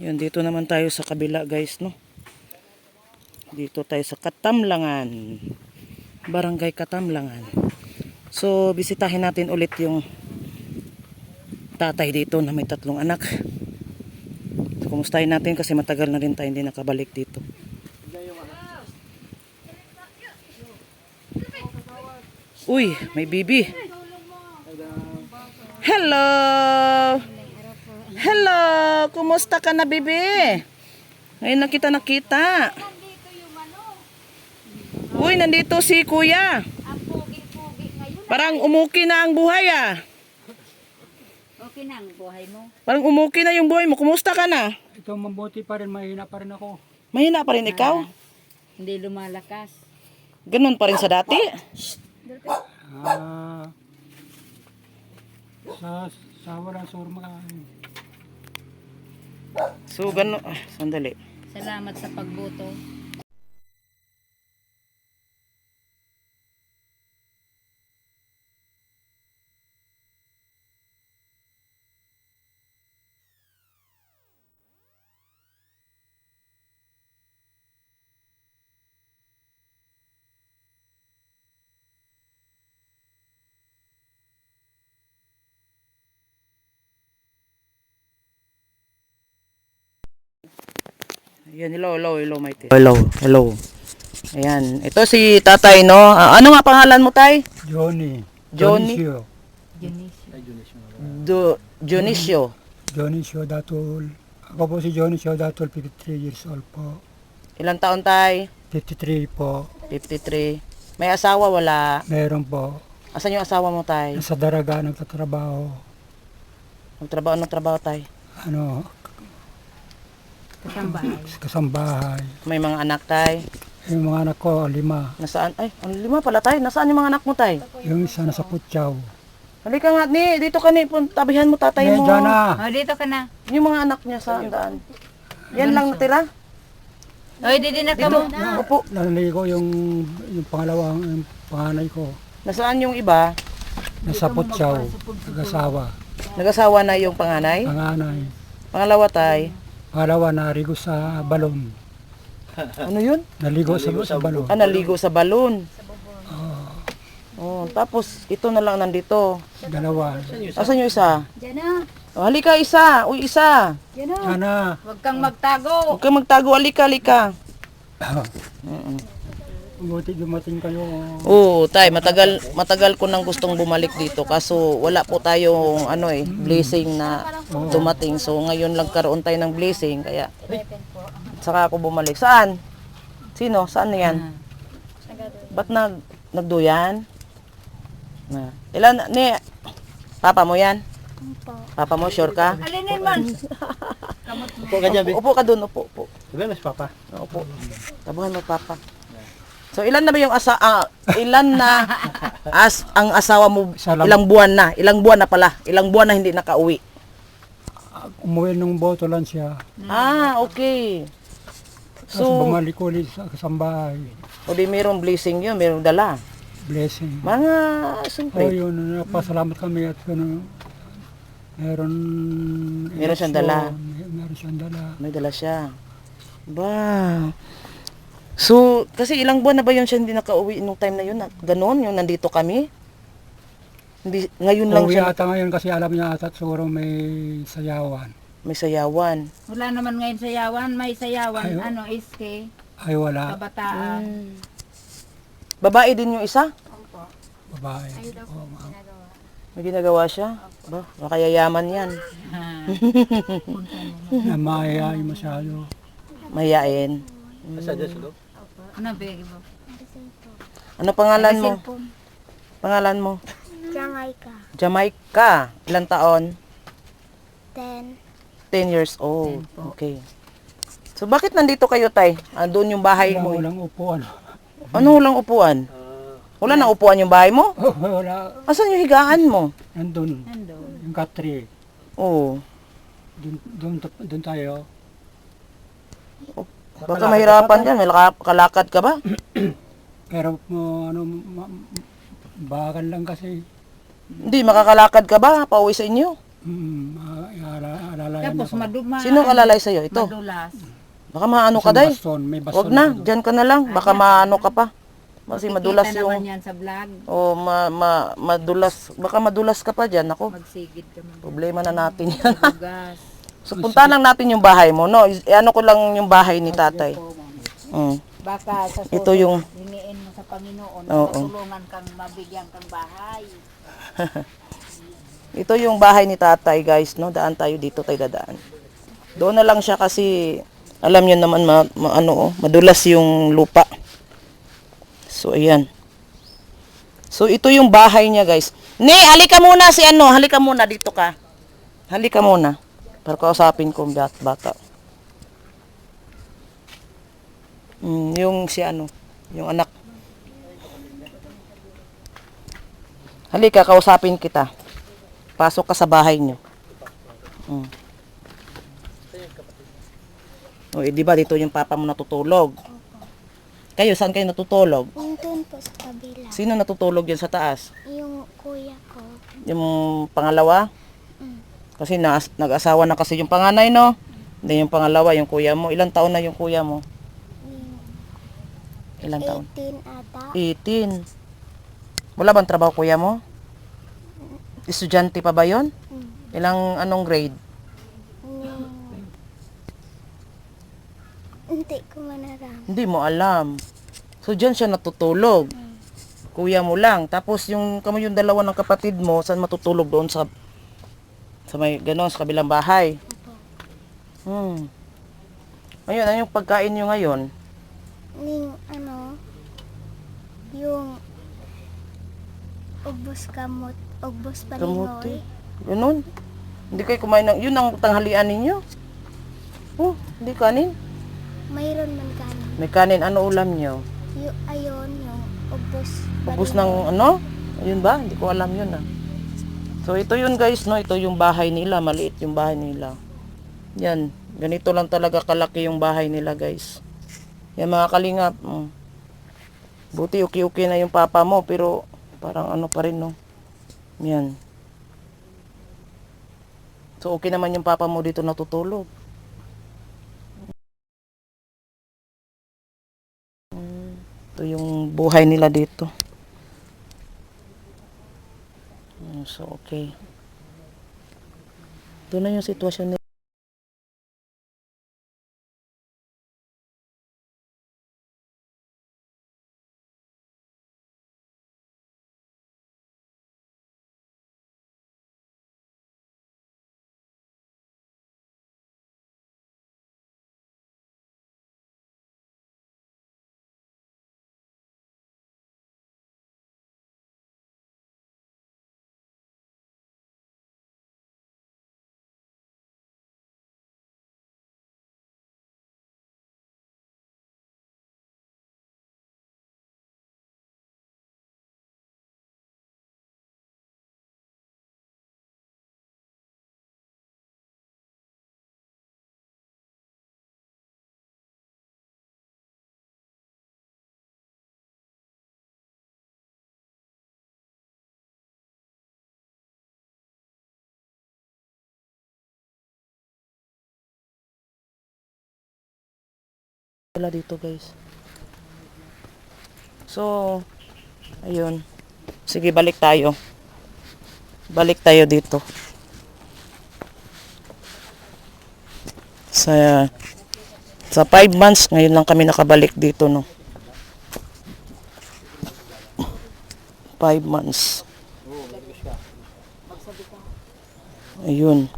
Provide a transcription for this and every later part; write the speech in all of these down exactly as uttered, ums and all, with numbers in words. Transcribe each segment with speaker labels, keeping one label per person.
Speaker 1: Yan, dito naman tayo sa kabila guys, no? Dito tayo sa Katamlangan. Barangay Katamlangan. So, bisitahin natin ulit yung tatay dito na may tatlong anak. So, kumustahin natin kasi matagal na rin tayo hindi nakabalik dito. Uy, may bibi. Hello! Hello! Kumusta ka na, bibi? Ngayon na kita nakita. Uy, nandito si kuya. Parang umuki na ang buhay ah.
Speaker 2: Okay na ang buhay mo.
Speaker 1: Parang umuki na yung buhay mo. Kumusta ka na?
Speaker 3: Ito mabuti pa rin, mahina pa rin ako.
Speaker 1: Mahina pa rin ikaw?
Speaker 2: Hindi lumalakas.
Speaker 1: Ganun pa rin sa dati?
Speaker 3: Ah, sa sa wala surma ka.
Speaker 1: So, ganun. Ah, sandali.
Speaker 2: Salamat sa pagboto.
Speaker 1: Ayan, hello, hello, hello, Maite. Hello, hello. Ayan, ito si tatay, no? Ah, ano nga pangalan mo, tay?
Speaker 3: Johnny.
Speaker 1: Johnny?
Speaker 3: Dionisio.
Speaker 1: Do, Dionisio.
Speaker 3: Dionisio Datul. Ako po si Dionisio Datul, fifty-three years old po.
Speaker 1: Ilang taon, tay?
Speaker 3: fifty-three po.
Speaker 1: fifty-three. May asawa, wala?
Speaker 3: Meron po.
Speaker 1: Asan yung asawa mo, tay?
Speaker 3: Nasa Daraga nagtatrabaho.
Speaker 1: Magtrabaho, anong trabaho, tay?
Speaker 3: Ano,
Speaker 2: Kasambahay.
Speaker 3: kasambahay.
Speaker 1: May mga anak, tay?
Speaker 3: Yung mga anak ko, lima.
Speaker 1: Nasaan? Ay, ang lima pala, tay. Nasaan yung mga anak mo, tay?
Speaker 3: Yung isa nasa Putyaw.
Speaker 1: Halika nga, ni. Dito ka, ni. Pun- Tabihan mo tatay mo.
Speaker 3: Medya na.
Speaker 2: Oh, dito ka na.
Speaker 1: Yung mga anak niya sa daan. Yan lang natira?
Speaker 2: Oh, dito na ka mo.
Speaker 1: Opo.
Speaker 3: Naliligo yung, yung pangalawang, yung panganay ko.
Speaker 1: Nasaan yung iba?
Speaker 3: Nasa Putyaw. Nag-asawa.
Speaker 1: Nag-asawa na yung panganay?
Speaker 3: Panganay.
Speaker 1: Pangalawa, tay?
Speaker 3: Pangalawa, narigo sa balon.
Speaker 1: Ano yun?
Speaker 3: Naligo sa, sa balon.
Speaker 1: Ah, naligo sa balon. Oh, tapos ito na lang nandito.
Speaker 3: Dalawa.
Speaker 1: Asan yung isa?
Speaker 2: Diyan na.
Speaker 1: Oh, halika isa. Uy, isa.
Speaker 2: Diyan na.
Speaker 3: Sana.
Speaker 2: Huwag kang magtago.
Speaker 1: Huwag kang magtago. Halika, halika.
Speaker 3: Buti dumating kayo.
Speaker 1: Oo, tay, matagal matagal ko nang gustong bumalik dito kaso wala po tayong ano eh, blessing na dumating. So ngayon lang karoon tayo ng blessing kaya saka ako bumalik. Saan? Sino? Saan na yan? Ba't nag nagduyan? Na. Ilan ni Papa mo yan? Papa mo, sure ka?
Speaker 2: Alinin man.
Speaker 1: Upo ka dyan, upo ka dun, upo, upo.
Speaker 3: Sabi mas papa.
Speaker 1: Upo. Tabuhan mo, Papa. So ilan na ba yung asa ah, ilan na as ang asawa mo
Speaker 3: Salam.
Speaker 1: ilang buwan na? Ilang buwan na pala? Ilang buwan na hindi nakauwi?
Speaker 3: Umuwi nung boto lang siya.
Speaker 1: Ah, okay.
Speaker 3: Tapos
Speaker 1: So,
Speaker 3: bumalik ulit sa kasambahay.
Speaker 1: o di mayroong blessing yun, mayroong dala.
Speaker 3: Blessing.
Speaker 1: Mga,
Speaker 3: Oh,
Speaker 1: siyempre,
Speaker 3: yun. Napasalamat kami at ano, meron...
Speaker 1: Meron siyang dala.
Speaker 3: May- Meron siyang dala.
Speaker 1: may dala siya. Ba. So, kasi ilang buwan na ba yun siya hindi nakauwi nung time na yun? Na- Ganon, yung nandito kami? Hindi, ngayon lang
Speaker 3: Uwi
Speaker 1: siya
Speaker 3: ata ngayon kasi alam niya ata at siguro may sayawan.
Speaker 1: may sayawan.
Speaker 2: Wala naman ngayon sayawan. May sayawan.
Speaker 3: Ayo.
Speaker 2: Ano, iske.
Speaker 3: Ay wala.
Speaker 2: Kabataan.
Speaker 1: Hmm. Babae din yung isa?
Speaker 3: Babae. Oh, ma-
Speaker 1: May ginagawa siya? Ba, makayayaman yan.
Speaker 2: Ha.
Speaker 3: na maayay masyado.
Speaker 1: Mahiyain.
Speaker 2: Ano, begi mo?
Speaker 1: Ano pangalan mo?
Speaker 2: Cellphone.
Speaker 1: Pangalan mo?
Speaker 4: Jamaica.
Speaker 1: Jamaica. Ilang taon?
Speaker 4: Then,
Speaker 1: ten years old. Okay. So bakit nandito kayo, tay? Ah, doon yung bahay
Speaker 3: Wala,
Speaker 1: mo. eh.
Speaker 3: walang upuan.
Speaker 1: Ano walang upuan? Wala na upuan yung bahay mo?
Speaker 3: Wala.
Speaker 1: Asan yung higaan mo?
Speaker 3: Nandun.
Speaker 2: Nandun.
Speaker 3: Yung katri.
Speaker 1: Oo.
Speaker 3: Dun, dun, dun tayo.
Speaker 1: Baka mahirapan yan. May laka- kalakad ka ba?
Speaker 3: Pero mo ano ma, bakal lang kasi.
Speaker 1: Hindi, makakalakad ka ba? Pauwi sa inyo?
Speaker 3: Mm, uh, alala
Speaker 2: Tapos maduma.
Speaker 1: Sino alalay sa'yo? Ito.
Speaker 2: Madulas.
Speaker 1: Baka maano ka,
Speaker 3: Isang
Speaker 1: day.
Speaker 3: baston, may baston.
Speaker 1: Huwag na,
Speaker 3: ako doon.
Speaker 1: dyan ka na lang. Baka maano ka pa. Kasi madulas
Speaker 2: Makikita naman
Speaker 1: yung...
Speaker 2: yan sa vlog.
Speaker 1: O, ma, ma, madulas. Baka madulas ka pa dyan. Ako,
Speaker 2: Magsigid ka man.
Speaker 1: problema na natin yan.
Speaker 2: Madugas.
Speaker 1: So, punta lang natin yung bahay mo, no? I- ano ko lang yung bahay ni tatay. Mm.
Speaker 2: Baka sa
Speaker 1: Ito
Speaker 2: susunod,
Speaker 1: yung-
Speaker 2: hiniin mo sa Panginoon,
Speaker 1: Oo.
Speaker 2: matulungan kang mabigyan kang bahay.
Speaker 1: Ito yung bahay ni tatay, guys, no? Daan tayo dito, tayo dadaan. Doon na lang siya kasi, alam niyo naman, ma, ma- ano, oh, madulas yung lupa. So, ayan. So, ito yung bahay niya, guys. Ne, halika muna si ano, halika muna, dito ka. Halika muna. Para kausapin ko yung bat- bata. Mm, yung si ano, yung anak. Halika, kausapin kita. Pasok ka sa bahay niyo. Mm. O, eh, di ba dito yung papa mo natutulog? Kayo, saan kayo natutulog?
Speaker 4: Yung dun po sa kabila.
Speaker 1: Sino natutulog yan sa taas?
Speaker 4: Yung kuya ko.
Speaker 1: Yung pangalawa?
Speaker 4: Mm.
Speaker 1: Kasi na, nag-asawa na kasi yung panganay, no? Hindi yung pangalawa, yung kuya mo. Ilang taon na yung kuya mo?
Speaker 4: Yung
Speaker 1: Ilang taon?
Speaker 4: eighteen ata.
Speaker 1: eighteen. Wala bang trabaho kuya mo? Estudyante pa ba yon?
Speaker 4: Mm.
Speaker 1: Ilang anong grade?
Speaker 4: Yung... Hindi ko manaram.
Speaker 1: Hindi mo alam. So, dyan siya natutulog. Kuya mo lang. Tapos, yung kamo yung dalawa ng kapatid mo, saan matutulog doon sa sa may ganon, sa kabilang bahay? Hmm. Ayun, ano yung pagkain nyo ngayon?
Speaker 4: Ning ano, yung ubos kamot, ubos
Speaker 1: Kamuti.
Speaker 4: palingoy.
Speaker 1: Ganon. Hindi kayo kumain ng... Yun ang tanghalian ninyo. Oh, hindi kanin.
Speaker 4: Mayroon man kanin.
Speaker 1: May kanin. Ano ulam nyo?
Speaker 4: Yung ayon, yung ubos.
Speaker 1: Ubus
Speaker 4: palingoy.
Speaker 1: ng ano? Ayun ba? Hindi ko alam yun ah. So ito yun guys, no? Ito yung bahay nila. Maliit yung bahay nila. Yan. Ganito lang talaga kalaki yung bahay nila guys. Yan mga kalingap. Mm. Buti uki-uki na yung papa mo. Pero parang ano pa rin no. Yan. So okay naman yung papa mo dito natutulog. Mm. Ito yung buhay nila dito. Mm, So, okay. Ito na yung sitwasyon nila. Wala dito guys. So, ayun. Sige, balik tayo. Balik tayo dito. Sa sa five months, ngayon lang kami nakabalik dito, no. Five months. Ayun.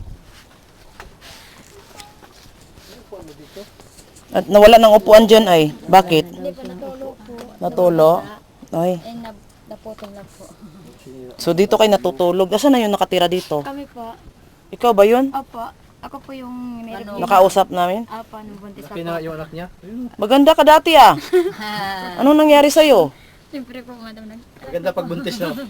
Speaker 1: At nawala ng upuan dyan ay. Bakit?
Speaker 4: Hindi pa natulog po.
Speaker 1: Natulo? Ay.
Speaker 4: Ay, nap naputol lang po.
Speaker 1: So dito kayo natutulog. Asan na yung nakatira dito?
Speaker 4: Kami po.
Speaker 1: Ikaw ba yun?
Speaker 4: Opo. Ako po yung meron.
Speaker 1: Nakausap namin?
Speaker 4: Opo, nung buntis
Speaker 5: Laki na yung anak niya.
Speaker 1: Maganda ka dati ah. Anong nangyari sa'yo?
Speaker 4: Siyempre po, madam. nag-
Speaker 5: Maganda pag buntis, no?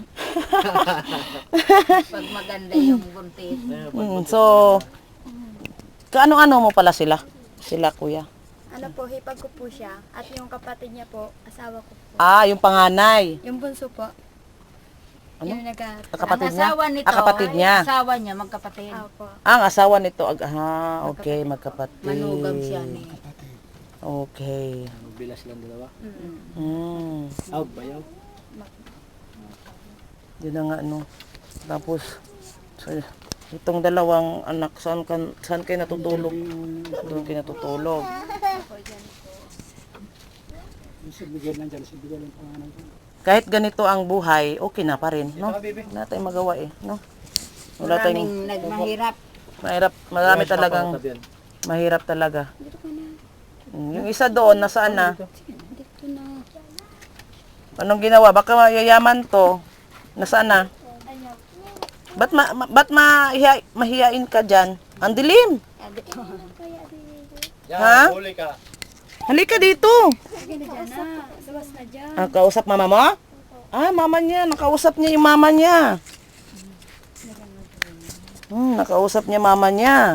Speaker 2: Pag maganda yung buntis.
Speaker 1: Hmm, so, kaano-ano mo pala sila? Sila kuya.
Speaker 4: Ano po, hipag ko po siya. At yung kapatid niya po, asawa ko po.
Speaker 1: Ah, yung panganay.
Speaker 4: Yung bunso po.
Speaker 1: Ano?
Speaker 4: Yung nagka...
Speaker 1: Kapatid
Speaker 2: ang
Speaker 1: niya?
Speaker 2: asawa nito,
Speaker 1: Ah, kapatid niya.
Speaker 2: asawa niya, magkapatid.
Speaker 4: Opo.
Speaker 1: Ang asawa nito, ag ah, okay, magkapatid.
Speaker 2: Manugam siya ni.
Speaker 1: Okay.
Speaker 5: Bilas lang dalawa.
Speaker 1: Mm.
Speaker 5: Aw, bayaw.
Speaker 1: Yun na nga, no. Tapos, so, itong dalawang anak, saan, kan, saan kayo natutulog? Doon kayo natutulog.
Speaker 3: Si Miguel nandyan, si Miguel ang pangalan ko.
Speaker 1: Kahit ganito ang buhay, okay na pa rin, no? Wala tayong magawa eh, no? Wala tayong,
Speaker 2: Maraming nagmahirap.
Speaker 1: mahirap, marami talagang, mahirap talaga. Mm, Yung isa doon, nasaan na? Anong ginawa? Baka mayayaman to. Nasaan na? Ba't, ma, ma, ba't mahiya, mahiyain ka dyan? Ang dilim. Ha?
Speaker 5: Huli ka.
Speaker 1: Halika dito.
Speaker 4: Sige na dyan na. Labas na dyan.
Speaker 1: Ah, kausap mama mo? Ah, mama niya. Nakausap niya yung mama niya. Hmm, nakausap niya mama niya.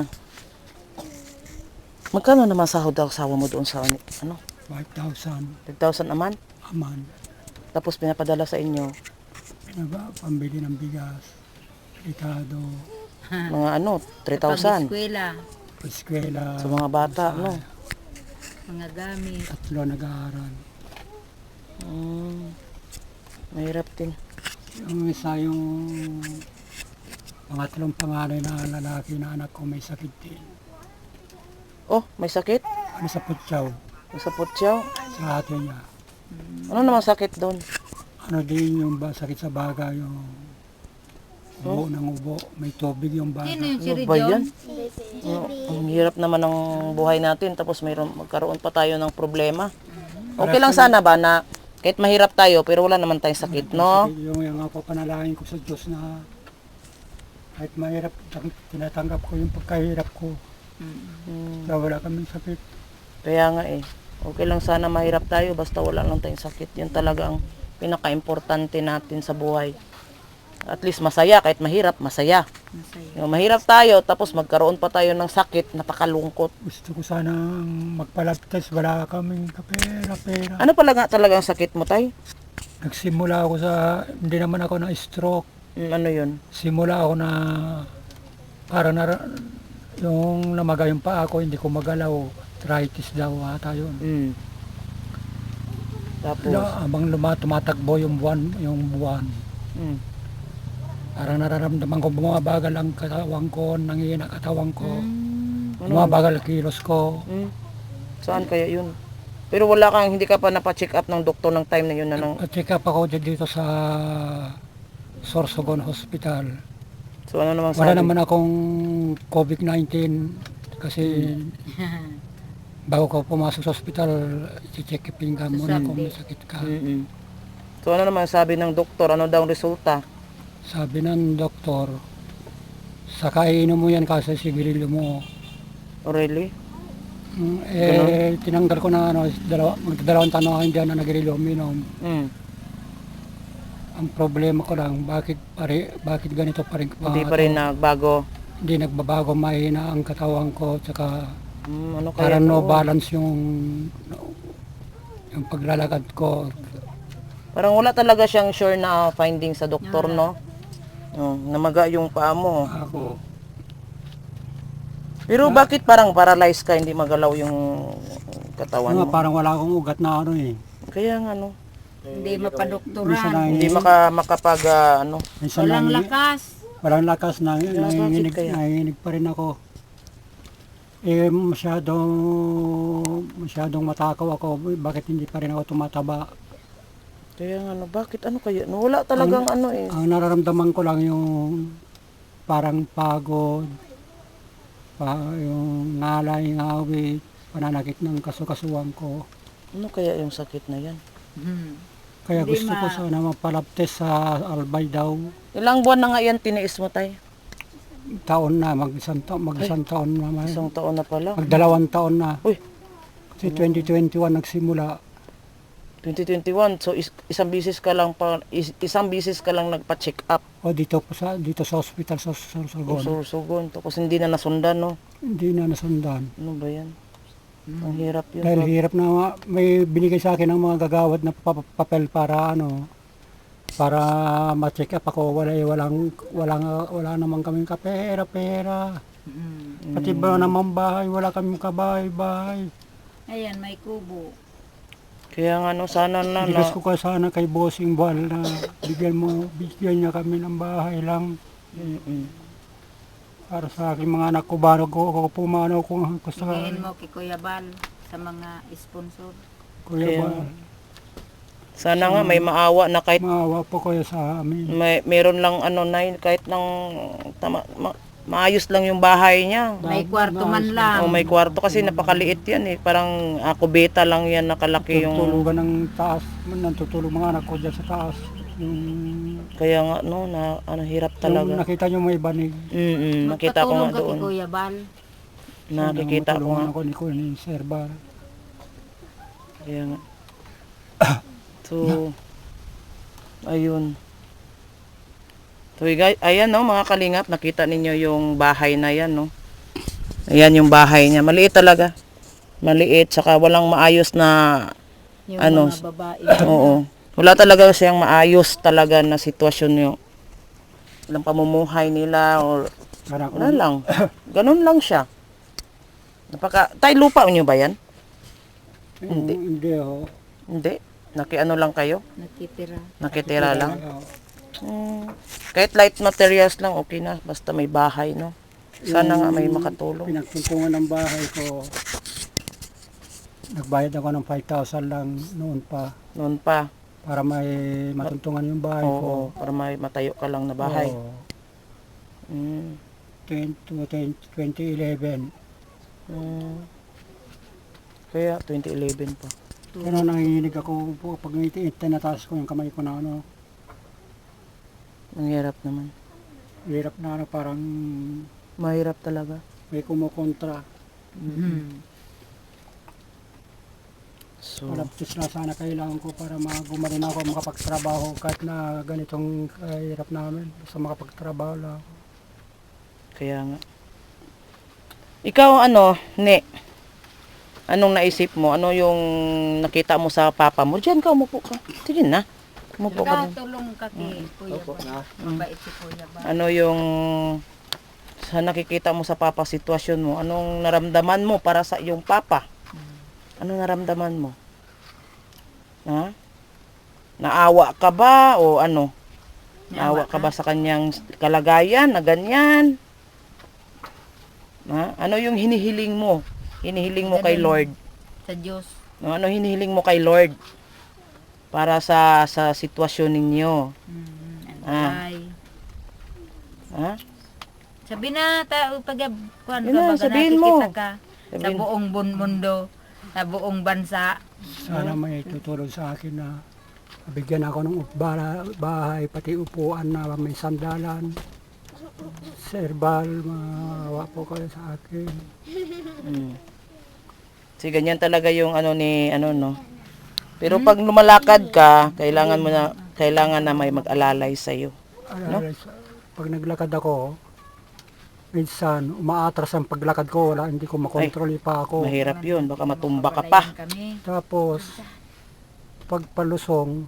Speaker 1: Magkano naman sahod daw asawa mo doon sa ano?
Speaker 3: five thousand.
Speaker 1: five thousand naman?
Speaker 3: Aman.
Speaker 1: Tapos pinapadala sa inyo.
Speaker 3: Pinaba, pambili ng bigas. Ricado.
Speaker 1: Mga ano, three thousand.
Speaker 2: Pag-eskwela,
Speaker 3: Eskwela.
Speaker 1: Sa mga bata, no?
Speaker 2: mga gamit.
Speaker 3: Tatlo nag-aaral.
Speaker 1: Hmm, mahirap din.
Speaker 3: Yung isa yung pangatlong panganay na lalaki na anak ko may sakit din.
Speaker 1: Oh, may sakit?
Speaker 3: Ano sa putyaw?
Speaker 1: Sa putyaw?
Speaker 3: Sa ate niya.
Speaker 1: Ano naman sakit doon?
Speaker 3: Ano din yung ba, sakit sa baga yung ubo ng ubo. May tubig yung baga.
Speaker 2: Sino yung si
Speaker 1: Ano ba yan?
Speaker 2: Rijon?
Speaker 1: Oh, ang hirap naman ng buhay natin tapos mayroon magkaroon pa tayo ng problema. Okay lang sana ba na kahit mahirap tayo pero wala naman tayong sakit, no?
Speaker 3: Yung, yung ako panalangin ko sa Diyos na kahit mahirap, tang- tinatanggap ko yung pagkahirap ko.
Speaker 1: Hmm,
Speaker 3: Na wala kaming sakit.
Speaker 1: kaya nga eh. Okay lang sana mahirap tayo basta wala lang tayong sakit. Yun talaga ang pinaka-importante natin sa buhay. At least masaya kahit mahirap, masaya.
Speaker 2: Masaya.
Speaker 1: Yung mahirap tayo tapos magkaroon pa tayo ng sakit, napakalungkot.
Speaker 3: Gusto ko sanang magpa-lab test, wala kaming kapera-pera.
Speaker 1: Ano pala nga talaga ang sakit mo, tay?
Speaker 3: Nagsimula ako sa, hindi naman ako na stroke.
Speaker 1: Hmm, ano yun?
Speaker 3: Simula ako na, para na, yung namaga yung paa ko, hindi ko magalaw. Arthritis daw ata yun.
Speaker 1: Hmm. Tapos,
Speaker 3: La, abang luma, tumatakbo yung buwan, yung buwan.
Speaker 1: hmm.
Speaker 3: Parang nararamdaman ko bumabagal ang katawan ko, nangihina katawan ko.
Speaker 1: Ano?
Speaker 3: Bumabagal kilos ko.
Speaker 1: Hmm. Saan kaya yun? Pero wala kang, hindi ka pa napacheck up ng doktor ng time na yun na nang,
Speaker 3: At-check up ako dito sa Sorsogon Hospital.
Speaker 1: so ano naman
Speaker 3: Wala
Speaker 1: sabi?
Speaker 3: naman akong COVID nineteen kasi bago ko pumasok sa hospital, i-check upin ka muna kung may sakit ka.
Speaker 1: Mm-mm. So ano naman sabi ng doktor, ano daw ang resulta?
Speaker 3: Sabi ng doktor, sa kainom mo yan kasi sigarilyo mo.
Speaker 1: Oh, really?
Speaker 3: Mm, eh, tinanggal ko na ano, dalawa, magdadalawang taon ako hindi na nagirilyo uminom.
Speaker 1: Mm.
Speaker 3: Ang problema ko lang, bakit pare, bakit ganito pa rin
Speaker 1: Hindi pa rin nagbago.
Speaker 3: hindi nagbabago, mahina ang katawan ko, tsaka
Speaker 1: Mm, ano kaya?
Speaker 3: parang no
Speaker 1: to?
Speaker 3: balance yung yung paglalakad ko.
Speaker 1: Parang wala talaga siyang sure na finding sa doktor, no? Oh, namaga yung paa mo.
Speaker 3: Ako,
Speaker 1: Pero bakit parang paralyzed ka, hindi magalaw yung katawan
Speaker 3: ano,
Speaker 1: mo?
Speaker 3: parang wala akong ugat na ano eh.
Speaker 1: Kaya nga, no?
Speaker 2: Hindi
Speaker 3: Minsan
Speaker 2: mapadoktoran.
Speaker 3: na,
Speaker 1: Hindi maka, makapag, ah, ano?
Speaker 3: minsan
Speaker 2: Walang
Speaker 3: na,
Speaker 2: lakas.
Speaker 3: walang lakas na,
Speaker 1: bakit
Speaker 3: nanginginig,
Speaker 1: kaya?
Speaker 3: nanginginig pa rin ako. Eh, masyadong, masyadong matakaw ako, bakit hindi pa rin ako tumataba?
Speaker 1: Kaya nga, no, bakit? Ano kaya? No, wala talagang ano eh.
Speaker 3: Ang nararamdaman ko lang yung parang pagod, pa, yung ngalay, ngawit, pananakit ng kasukasuan ko.
Speaker 1: Ano kaya yung sakit na yan?
Speaker 2: Hmm.
Speaker 3: Kaya
Speaker 2: Hindi
Speaker 3: gusto ko
Speaker 2: ma-
Speaker 3: sana mapalab test sa Albay daw.
Speaker 1: Ilang buwan na nga yan tiniis mo, tay?
Speaker 3: Taon na, mag-isang taon, mag-isang taon na. man.
Speaker 1: Isang taon na pala.
Speaker 3: Magdalawang taon na.
Speaker 1: Uy.
Speaker 3: Kasi twenty twenty-one nagsimula.
Speaker 1: twenty twenty-one, so is, isang bisis ka lang pa, is, isang bisis ka lang nagpa-check up.
Speaker 3: O dito po sa dito sa hospital sa Sorsogon.
Speaker 1: Sursugon. Tapos hindi na nasundan, no?
Speaker 3: Hindi na nasundan.
Speaker 1: Ano ba yan? Ang hirap yun.
Speaker 3: Dahil
Speaker 1: Pag-
Speaker 3: hirap na may binigay sa akin ng mga gagawad na pa- papel para ano para ma-check up ako, wala, walang, walang, wala naman kaming kapera-pera.
Speaker 2: Mm.
Speaker 3: Pati ba naman bahay, wala kaming kabahay-bahay.
Speaker 2: Ayan, may kubo.
Speaker 1: Kaya nga no, sana na,
Speaker 3: Bigas
Speaker 1: na
Speaker 3: ko ka sana kay Bossing Bal na bigyan mo, bigyan niya kami ng bahay lang
Speaker 1: Mm-mm.
Speaker 3: para sa aking mga anak ko. Bago ko, ako pumanaw kung gusto ka.
Speaker 2: Hingin mo kay Kuya Bal sa mga sponsor.
Speaker 3: Kuya
Speaker 1: Kaya-
Speaker 3: Bal,
Speaker 1: Sana nga may maawa na kahit
Speaker 3: maawa po kayo sa amin.
Speaker 1: may meron lang ano na kahit ng tama, ma- maayos lang yung bahay niya.
Speaker 2: May kwarto man lang.
Speaker 1: O may kwarto kasi napakaliit yan eh. Parang ako beta lang yan nakalaki yung
Speaker 3: Tutulugan ng taas, nantutulog mga anak ko dyan sa taas. Yung,
Speaker 1: kaya nga no na ano hirap
Speaker 3: yung
Speaker 1: talaga.
Speaker 3: nakita nyo may banig.
Speaker 1: Mm. Nakita ko nga
Speaker 2: Magpatulong ka kay
Speaker 1: doon.
Speaker 2: Kuya Bal.
Speaker 1: Nakikita ko nga.
Speaker 3: Matulungan ako ni, ko ni Sir Bar.
Speaker 1: Kaya nga. So ayun. So guys, ayan no mga kalingap, nakita ninyo yung bahay na yan no. Ayan yung bahay niya. Maliit talaga. Maliit saka walang maayos na
Speaker 2: Yung
Speaker 1: Ano?
Speaker 2: mga babae.
Speaker 1: oo. Wala talaga siyang maayos talaga na sitwasyon yung walang pamumuhay nila or
Speaker 3: Parang
Speaker 1: wala lang. Ganun lang siya. Napaka, tay lupa niyo ba yan?
Speaker 3: hindi. Hindi ho.
Speaker 1: Hindi. Nakiano lang kayo?
Speaker 2: Nakitira.
Speaker 1: Nakitira lang?
Speaker 3: Oo.
Speaker 1: Hmm. Kahit light materials lang, okay na. Basta may bahay, no? Sana nga may makatulong.
Speaker 3: Pinagtuntungan ng bahay ko. Nagbayad ako ng five thousand lang noon pa
Speaker 1: Noon pa.
Speaker 3: para may matuntungan yung bahay
Speaker 1: Oo,
Speaker 3: ko.
Speaker 1: para may matayo ka lang na bahay.
Speaker 3: Oo.
Speaker 1: Hmm.
Speaker 3: twenty eleven.
Speaker 1: Hmm. Kaya twenty eleven pa.
Speaker 3: Kaya nanginginig ako po pag tinataas ko yung kamay ko na ano.
Speaker 1: Ang hirap naman.
Speaker 3: Hirap na ano, parang
Speaker 1: Mahirap talaga.
Speaker 3: may kumukontra.
Speaker 2: Mm.
Speaker 1: So,
Speaker 3: Malaptis na sana kailangan ko para magumarin ako makapagtrabaho kahit na ganitong kahirap namin. Basta makapagtrabaho lang.
Speaker 1: kaya nga. Ikaw ano, Ne? Anong naisip mo? Ano yung nakita mo sa papa mo? Diyan ka, umupo ka. Sige na. Umupo ka din.
Speaker 2: Tulong ka kay Kuya Bal. Mabait si Kuya Bal.
Speaker 1: Ano yung sa nakikita mo sa papa sitwasyon mo? Anong naramdaman mo para sa iyong papa? Anong naramdaman mo? Ha? Naawa ka ba o ano? Naawa ka ba sa kanyang kalagayan na ganyan? Ha? Ano yung hinihiling mo? Hinihiling mo kay Lord?
Speaker 2: Sa Diyos.
Speaker 1: No, ano hinihiling mo kay Lord para sa sa sitwasyon ninyo?
Speaker 2: Mm, ano
Speaker 1: Ah.
Speaker 2: ay.
Speaker 1: Ha?
Speaker 2: Sabi na, ta, pag kuan ka,
Speaker 1: Yun na,
Speaker 2: baga
Speaker 1: sabihin mo.
Speaker 2: nakikita ka sa
Speaker 1: Sabihin.
Speaker 2: buong bun- mundo, sa buong bansa.
Speaker 3: Sana may tutulong sa akin na bigyan ako ng bara- bahay, pati upuan na may sandalan. Serbal, maawa po kayo sa akin.
Speaker 1: Mm. Kasi ganyan talaga yung ano ni ano no. Pero pag lumalakad ka, kailangan mo na kailangan na may mag-alalay sa iyo.
Speaker 3: Alala, sa- Pag naglakad ako, minsan umaatras ang paglakad ko, wala, hindi ko makontrol pa ako.
Speaker 1: Mahirap 'yun, baka matumba ka pa.
Speaker 2: Palayan Kami.
Speaker 3: Tapos, pag palusong,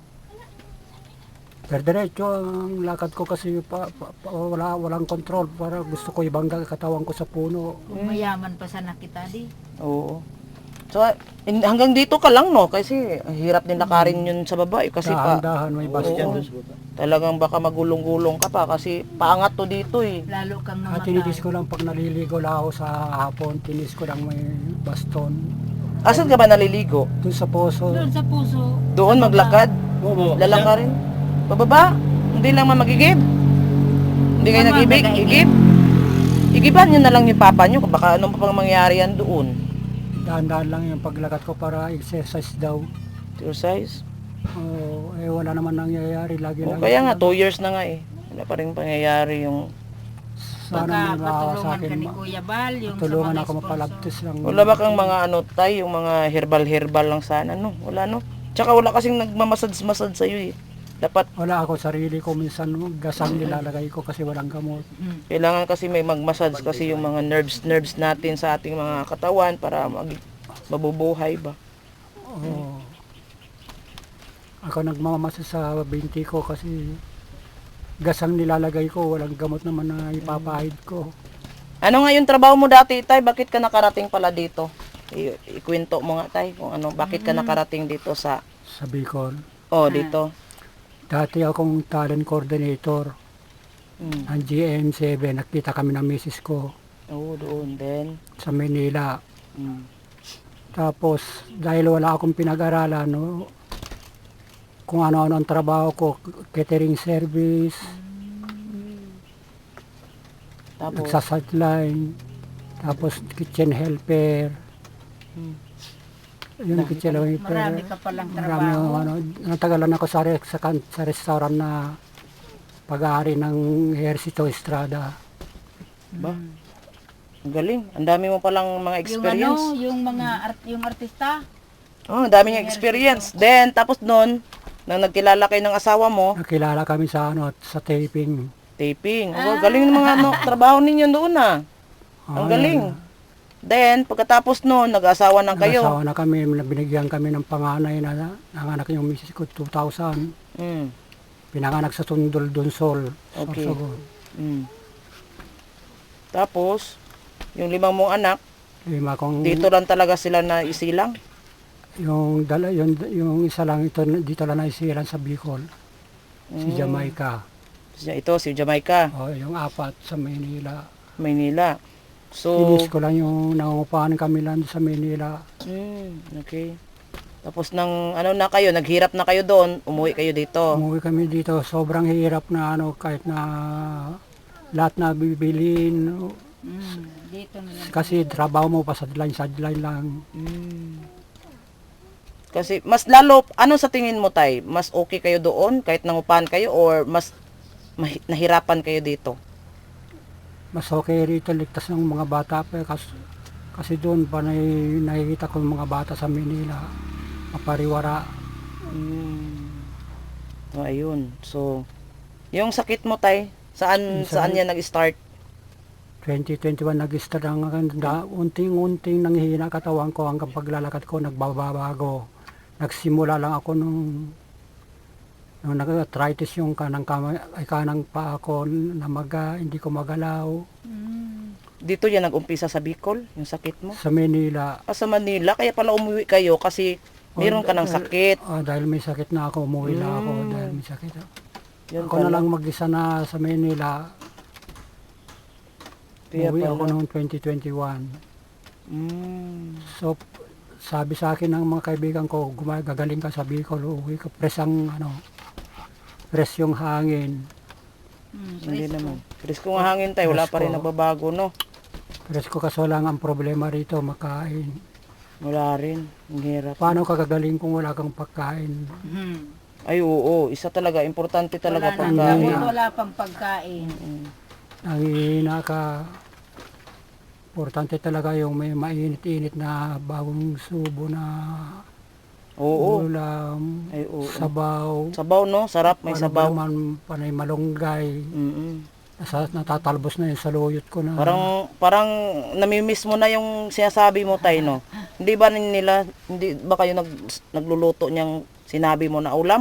Speaker 3: diretso ang lakad ko kasi pa, pa- pa- wala, walang control. Para gusto ko ibangga katawan ko sa puno.
Speaker 2: Kung mayaman pa sana kita di.
Speaker 1: Oo. So in- hanggang dito ka lang no kasi ang hirap din lakarin 'yun sa baba eh, kasi pa
Speaker 3: Dahan-dahan may bastion.
Speaker 1: talagang baka magulong-gulong ka pa kasi paangat to dito eh.
Speaker 2: Lalo kang
Speaker 3: At
Speaker 2: mamatay.
Speaker 3: tinitis ko lang pag naliligo lang ako sa hapon, tinis ko lang may baston.
Speaker 1: Asan ka ba naliligo?
Speaker 3: Doon sa poso.
Speaker 2: Doon sa puso.
Speaker 1: Doon
Speaker 2: sa baba.
Speaker 1: maglakad? Lalakarin? Pababa? Hindi lang mamagigib? Hindi kayo
Speaker 2: Tama,
Speaker 1: nag-ibig?
Speaker 2: nag-igib.
Speaker 1: Igib? Igiban nyo na lang yung papa nyo, baka anong pa pang mangyari yan doon.
Speaker 3: Dahan-dahan lang yung paglakad ko para exercise daw.
Speaker 1: Exercise?
Speaker 3: Oh, eh wala naman nangyayari. Lagi
Speaker 1: O,
Speaker 3: lang.
Speaker 1: kaya nga, two years na nga eh. Wala pa rin pangyayari yung...
Speaker 3: Sana
Speaker 2: Baka
Speaker 3: may maawa sa
Speaker 2: patulungan
Speaker 3: akin.
Speaker 2: ka ni
Speaker 3: ma-
Speaker 2: Kuya Bal. Yung
Speaker 3: Tulungan
Speaker 2: sa mga
Speaker 3: ako
Speaker 2: sponsor.
Speaker 3: mapalabtis lang.
Speaker 1: Wala ba kang mga ano tay, yung mga herbal-herbal lang sana, no? Wala, no? Tsaka wala kasing nagmamassage-massage sa'yo eh. Dapat,
Speaker 3: Wala ako sarili ko minsan gasang nilalagay ko kasi walang gamot.
Speaker 2: Mm.
Speaker 1: kailangan kasi may mag-massage kasi yung mga nerves-nerves natin sa ating mga katawan para mag mabubuhay ba.
Speaker 3: Oo. Ako nagmamasa sa binti ko kasi gasang nilalagay ko, walang gamot naman na ipapahid ko.
Speaker 1: Ano nga yung trabaho mo dati, tay? Bakit ka nakarating pala dito? I- ikwento mo nga, tay, kung ano, bakit ka nakarating dito sa,
Speaker 3: Sa Bicol.
Speaker 1: oh, dito.
Speaker 3: Dati akong talent coordinator
Speaker 1: Mm.
Speaker 3: ng G M seven. Nakita kami ng misis ko
Speaker 1: Oo, doon din.
Speaker 3: sa Manila.
Speaker 1: Mm.
Speaker 3: Tapos, dahil wala akong pinag-aralan, no, kung ano-ano ang trabaho ko, catering service,
Speaker 1: Tapos,
Speaker 3: nagsasideline, tapos kitchen helper.
Speaker 1: Hmm.
Speaker 3: Yung kitchen helper.
Speaker 2: Marami ka palang
Speaker 3: Marami
Speaker 2: trabaho.
Speaker 3: yung ano, natagalan ako sa, re- sa, kan- sa restaurant na pag-aari ng Hercito Estrada.
Speaker 1: ba? Ang galing. Ang dami mo palang mga
Speaker 2: Yung ano,
Speaker 1: experience.
Speaker 2: yung mga art, yung artista.
Speaker 1: Oh, ang dami niyang experience. Then, tapos noon, nang nagkilala kayo ng asawa mo,
Speaker 3: Nakilala kami sa ano, sa taping.
Speaker 1: taping. Oh, galing ng mga ano, trabaho ninyo doon ah. Ang
Speaker 3: Ah,
Speaker 1: galing. Then, pagkatapos noon, nag-asawa na kayo.
Speaker 3: Nag-asawa na kami, binigyan kami ng panganay na nanganak yung misis ko, two thousand.
Speaker 1: Mm.
Speaker 3: Pinanganak sa Tundol, Dunsol.
Speaker 1: Okay.
Speaker 3: Sorsogon.
Speaker 1: Mm. Tapos, yung limang mong anak,
Speaker 3: Lima kong,
Speaker 1: dito lang talaga sila na isilang.
Speaker 3: yung, dala, yung, yung isa lang ito, dito lang naisiran sa Bicol. Si
Speaker 1: Mm.
Speaker 3: Jamaica.
Speaker 1: Ito, si Jamaica,
Speaker 3: O, yung apat sa Manila.
Speaker 1: Maynila. So,
Speaker 3: Inis ko lang yung nangungupahan kami lang sa Manila.
Speaker 1: mm, okay. Tapos nang ano na kayo, naghirap na kayo doon, umuwi kayo dito.
Speaker 3: Umuwi kami dito, sobrang hirap na ano, kahit na lahat na bibilin.
Speaker 2: Mm, dito na lang.
Speaker 3: Kasi trabaho mo pa sa sideline lang.
Speaker 1: Mm. Kasi mas lalo, ano sa tingin mo tay? Mas okay kayo doon kahit nangupahan kayo or mas mahi- nahirapan kayo dito?
Speaker 3: Mas okay rito, ligtas ng mga bata pa. Kasi, kasi doon pa na, nakikita ko yung mga bata sa Manila. Mapariwara.
Speaker 1: Mm. So, ayun. So, yung sakit mo tay, saan
Speaker 3: Yung
Speaker 1: saan
Speaker 3: sakit-
Speaker 1: yan nag-start?
Speaker 3: twenty twenty-one nag-start ang da, unting-unting nanghihina katawan ko hanggang paglalakad ko nagbabago. Nagsimula lang ako nung nung nag-arthritis yung kanang kamay, ay kanang paa ko na maga, hindi ko magalaw.
Speaker 2: Mm.
Speaker 1: Dito yan nag-umpisa sa Bicol, yung sakit mo?
Speaker 3: Sa Manila,
Speaker 1: Ah, sa Manila, kaya pala umuwi kayo kasi meron ka ng sakit.
Speaker 3: ah, dahil may sakit na ako, umuwi na ako
Speaker 1: Mm.
Speaker 3: dahil may sakit.
Speaker 1: Yun
Speaker 3: Ako na lang mag-isa na sa Manila.
Speaker 1: Kaya
Speaker 3: Umuwi
Speaker 1: pala.
Speaker 3: ako noong twenty twenty-one.
Speaker 1: Mm.
Speaker 3: So, sabi sa akin ng mga kaibigan ko, gumagaling ka sa Bicol, uuwi ka, press ang, ano, press yung hangin.
Speaker 2: Mm,
Speaker 1: Hindi
Speaker 2: presko.
Speaker 1: naman. Chris, kung hangin tayo, wala pa rin
Speaker 3: Presko.
Speaker 1: nagbabago, no?
Speaker 3: Press ko kaso lang ang problema rito, makain.
Speaker 1: Wala rin. Ang hirap.
Speaker 3: Paano ka gagaling kung wala kang pagkain?
Speaker 2: Mm.
Speaker 1: Ay, oo. Isa talaga. Importante talaga
Speaker 2: Wala nang
Speaker 1: pagkain.
Speaker 2: gamot, wala pang pagkain.
Speaker 1: Mm.
Speaker 3: Nangihina ka. Importante talaga yung may mainit-init na bagong subo na
Speaker 1: Oo.
Speaker 3: ulam,
Speaker 1: Ay, oo.
Speaker 3: sabaw.
Speaker 1: Sabaw, no? Sarap. May
Speaker 3: Ano ba
Speaker 1: sabaw.
Speaker 3: naman, panay malunggay.
Speaker 1: Mm-mm.
Speaker 3: Nasa, natatalbos na yun sa luyot ko na.
Speaker 1: Parang, parang namimiss mo na yung sinasabi mo tayo, no? Hindi ba nila, hindi ba kayo nag, nagluluto niyang sinabi mo na ulam?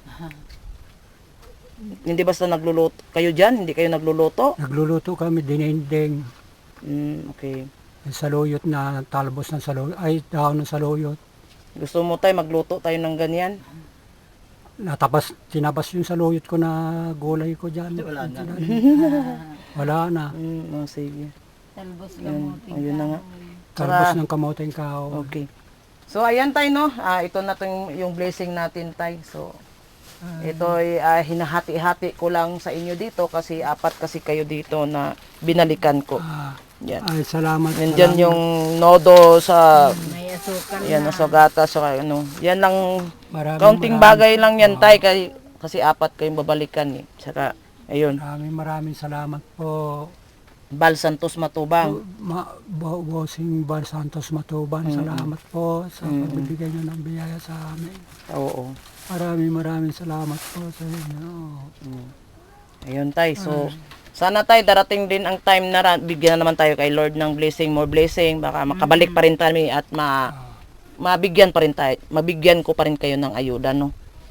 Speaker 1: Hindi basta nagluluto kayo dyan? Hindi kayo nagluluto?
Speaker 3: Nagluluto kami, dinendeng.
Speaker 1: Mm, okay.
Speaker 3: Yung saluyot na talbos ng saluyot, ay dahon ng saluyot.
Speaker 1: Gusto mo tayo magluto tayo ng ganyan?
Speaker 3: Natabas, tinabas yung saluyot ko na gulay ko dyan. Wala na. Wala na.
Speaker 1: Mm, oh, sige.
Speaker 2: Talbos
Speaker 1: Yun,
Speaker 2: gamuting
Speaker 1: ayun na nga.
Speaker 3: Talbos
Speaker 1: Saka-
Speaker 3: ng kamoteng kao.
Speaker 1: Okay. So ayan tayo, no? Ah, ito na tong yung blessing natin tayo. So ito ay ah, hinahati-hati ko lang sa inyo dito kasi apat kasi kayo dito na binalikan ko.
Speaker 3: Ah,
Speaker 1: Yan.
Speaker 3: ay, salamat.
Speaker 1: Nandiyan
Speaker 3: salamat.
Speaker 1: yung nodo sa
Speaker 2: May asukal
Speaker 1: yan
Speaker 2: na.
Speaker 1: na sugata sa ano. Yan lang
Speaker 3: Maraming,
Speaker 1: kaunting
Speaker 3: maraming-
Speaker 1: bagay lang yan tay kasi, kasi apat kayong babalikan eh. Saka ayun,
Speaker 3: Maraming maraming salamat po.
Speaker 1: Bal Santos Matubang.
Speaker 3: Ma, Bo- Bossing Bar Santos Matuban, salamat po sa pagbibigay nyo ng biyaya sa amin.
Speaker 1: Oo.
Speaker 3: Maraming maraming salamat po sa inyo.
Speaker 1: Ayun tay. So sana tay darating din ang time na ra- bigyan na naman tayo kay Lord ng blessing, more blessing, baka makabalik pa rin kami at ma mabigyan pa rin tayo, mabigyan ko pa rin kayo ng ayuda, no?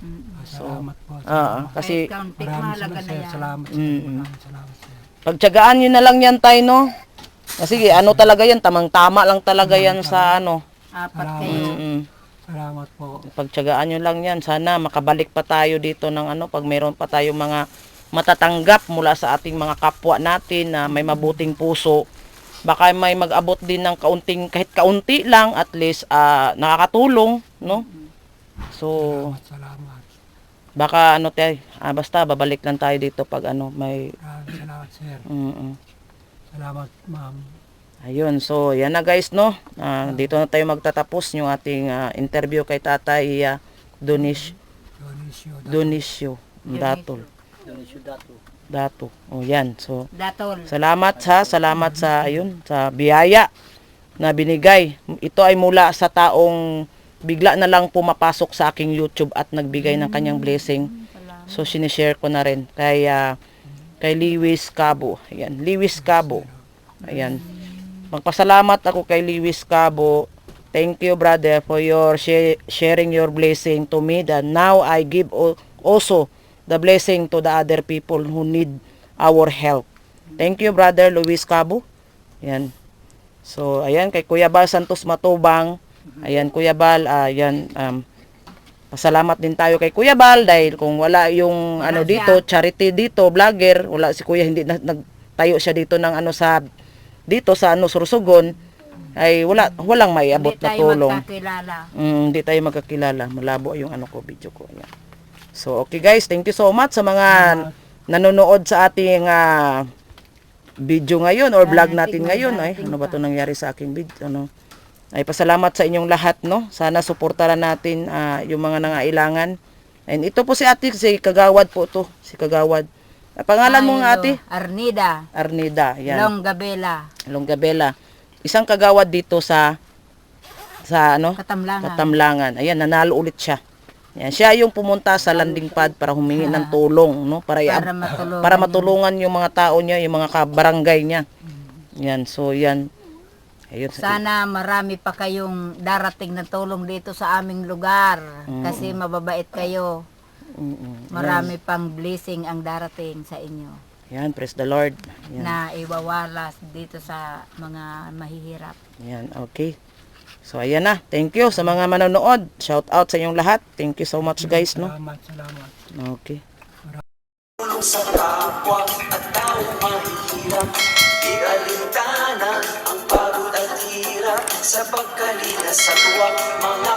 Speaker 3: Salamat po.
Speaker 1: Ah, kasi
Speaker 2: Kahit kaunti,
Speaker 3: Maraming
Speaker 2: mahalaga
Speaker 3: salamat,
Speaker 2: na
Speaker 3: sir.
Speaker 2: yan.
Speaker 3: Salamat, sir.
Speaker 1: Mm.
Speaker 3: Maraming salamat, sir.
Speaker 1: pagtiyagaan nyo na lang yan tayo, no? Kasi ano talaga yan, tamang-tama lang talaga yan sa ano.
Speaker 2: Apat
Speaker 3: Salamat.
Speaker 2: kayo.
Speaker 1: Mm-mm.
Speaker 3: Salamat po.
Speaker 1: Pagtiyagaan nyo lang yan. Sana makabalik pa tayo dito ng ano, pag mayroon pa tayo mga matatanggap mula sa ating mga kapwa natin na may mabuting puso. Baka may mag-abot din ng kaunting, kahit kaunti lang, at least ah, nakakatulong, no? So,
Speaker 3: Salamat, salamat.
Speaker 1: baka ano tayo, ah, basta babalik lang tayo dito pag ano, may...
Speaker 3: Maraming salamat, sir.
Speaker 1: Mm-mm.
Speaker 3: Salamat, ma'am.
Speaker 1: Ayun, so yan na guys, no? Ah, dito na tayo magtatapos yung ating ah, interview kay Tatay uh, Donish,
Speaker 3: Dionisio.
Speaker 1: Dionisio Datol. Dato. O yan, so
Speaker 2: Datol.
Speaker 1: salamat sa, salamat sa, ayun, sa biyaya na binigay. Ito ay mula sa taong bigla na lang pumapasok sa aking YouTube at nagbigay ng kanyang blessing. So, sinishare ko na rin kay, ah, kay Lewis Cabo. Ayan, Lewis Cabo. Ayan. Magpasalamat ako kay Lewis Cabo. Thank you, brother, for your share, sharing your blessing to me. That now I give al- also the blessing to the other people who need our help. Thank you, brother Luis Cabo. Ayan. So, ayan, kay Kuya Bal Santos Matubang. Ayan, Kuya Bal, ayan, um, pasalamat din tayo kay Kuya Bal dahil kung wala yung
Speaker 2: Wala
Speaker 1: ano
Speaker 2: siya.
Speaker 1: dito, charity dito, vlogger, wala si Kuya, hindi na, nagtayo siya dito ng ano sa, dito sa ano, Sursugon, ay wala, walang may abot
Speaker 2: Hindi
Speaker 1: na
Speaker 2: tayo
Speaker 1: tulong.
Speaker 2: magkakilala.
Speaker 1: Mm, hindi tayo magkakilala. Malabo yung ano ko, video ko. Ayan. So, okay guys, thank you so much sa mga nanonood sa ating ah, video ngayon or vlog natin ngayon. Ay, ano ba 'to nangyari sa aking video? Ano? Ay, pasalamat sa inyong lahat, no? Sana suportahan natin ah, yung mga nangailangan. And ito po si ate, si Kagawad po to. Si Kagawad. Ah, pangalan mo nga ate?
Speaker 2: Arnida.
Speaker 1: Arnida. Yan.
Speaker 2: Longgabela.
Speaker 1: Longgabela. Isang kagawad dito sa sa ano?
Speaker 2: Katamlangan.
Speaker 1: Katamlangan. Ayan, nanalo ulit siya. Ayan, siya yung pumunta sa landing pad para humingi ng tulong, no? Para, i-
Speaker 2: Para matulungan.
Speaker 1: para matulungan yung mga tao niya, yung mga kabarangay niya. Yan, so yan. Ayun.
Speaker 2: Sana marami pa kayong darating na tulong dito sa aming lugar. Kasi mababait kayo.
Speaker 1: Mm-mm.
Speaker 2: Marami pang blessing ang darating sa inyo.
Speaker 1: Yan, praise the Lord. Yan.
Speaker 2: Na iwawalas dito sa mga mahihirap.
Speaker 1: Yan, okay. So ayan na. Thank you sa mga manonood. Shout out sa inyong lahat. Thank you so much guys, no?
Speaker 3: Salamat, salamat.
Speaker 1: Okay.
Speaker 5: Tulong sa kapwa at tao mahihirap. Ialintana ang pagod at hirap sa pagkalina sa tuwa mga